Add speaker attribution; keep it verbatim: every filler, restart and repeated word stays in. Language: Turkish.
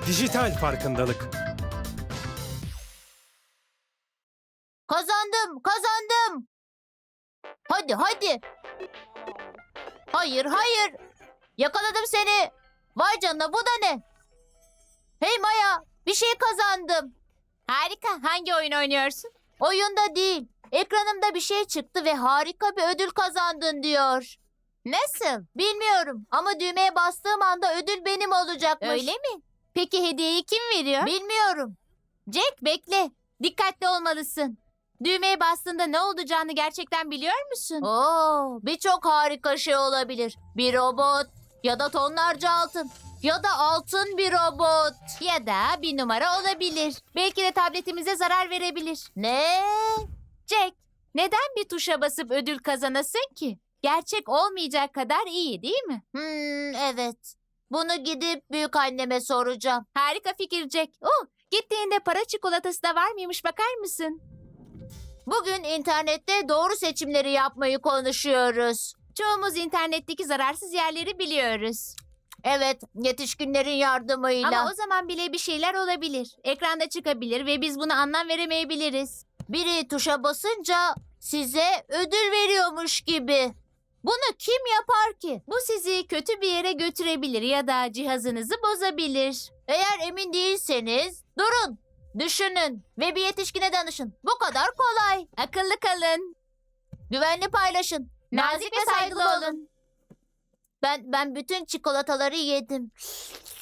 Speaker 1: Dijital farkındalık.
Speaker 2: Kazandım, kazandım. Hadi, hadi. Hayır, hayır. Yakaladım seni. Vay canına, bu da ne? Hey Maya, bir şey kazandım.
Speaker 3: Harika. Hangi oyun oynuyorsun?
Speaker 2: Oyunda değil. Ekranımda bir şey çıktı ve harika bir ödül kazandın diyor.
Speaker 3: Nasıl?
Speaker 2: Bilmiyorum ama düğmeye bastığım anda ödül benim olacakmış.
Speaker 3: Öyle mi? Peki hediyeyi kim veriyor?
Speaker 2: Bilmiyorum.
Speaker 3: Jack, bekle. Dikkatli olmalısın. Düğmeye bastığında ne olacağını gerçekten biliyor musun?
Speaker 2: Oo, birçok harika şey olabilir. Bir robot ya da tonlarca altın ya da altın bir robot.
Speaker 3: Ya da bir numara olabilir. Belki de tabletimize zarar verebilir.
Speaker 2: Ne?
Speaker 3: Jack, neden bir tuşa basıp ödül kazanasın ki? Gerçek olmayacak kadar iyi, değil mi?
Speaker 2: Hmm, evet. Bunu gidip büyük anneme soracağım.
Speaker 3: Harika fikir Jack. Oh, gittiğinde para çikolatası da var mıymış, bakar mısın?
Speaker 2: Bugün internette doğru seçimleri yapmayı konuşuyoruz.
Speaker 3: Çoğumuz internetteki zararsız yerleri biliyoruz.
Speaker 2: Evet, yetişkinlerin yardımıyla.
Speaker 3: Ama o zaman bile bir şeyler olabilir. Ekranda çıkabilir ve biz buna anlam veremeyebiliriz.
Speaker 2: Biri tuşa basınca size ödül veriyormuş gibi. Bunu kim yapar ki?
Speaker 3: Bu sizi kötü bir yere götürebilir ya da cihazınızı bozabilir.
Speaker 2: Eğer emin değilseniz durun, düşünün ve bir yetişkine danışın. Bu kadar kolay.
Speaker 3: Akıllı kalın.
Speaker 2: Güvenli paylaşın.
Speaker 3: Nazik ve saygılı olun.
Speaker 2: Ben ben bütün çikolataları yedim.